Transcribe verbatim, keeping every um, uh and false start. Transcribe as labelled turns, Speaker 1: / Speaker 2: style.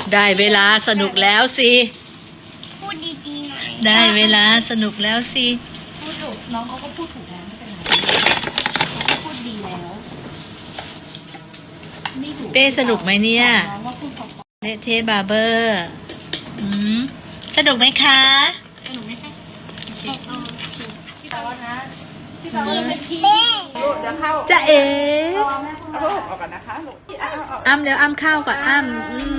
Speaker 1: ได้เวลาสนุกแล้วสิ
Speaker 2: พูดดีๆหน่อย
Speaker 1: ได้เวลาสนุกแล้วสิ
Speaker 3: พูดถูกน้องเขาก็พูดถูกแล้วไม่เป็นไรเขาพูดดีแล้วไม่ถูก
Speaker 1: เป้สนุกไหมเนี่ย
Speaker 3: น้องว่าพูดพอ
Speaker 1: เละเทะบาร์เบอร์อืมสนุกไหมคะ
Speaker 3: ๆสนุกไหมคะ
Speaker 2: แต่เอา
Speaker 3: พี่ตาว่านะพี่ตาว่า
Speaker 2: พี่
Speaker 3: นะ
Speaker 2: เป็นเป้
Speaker 4: ลูกเดี๋ยวเข้า
Speaker 1: จะเอ๋
Speaker 4: เอาผ้าห่มออกก่อนนะคะลูกเอาเอาเอา
Speaker 1: อ้ำเดี๋ยวอ้ำข้าวก่อนอ้ำอืม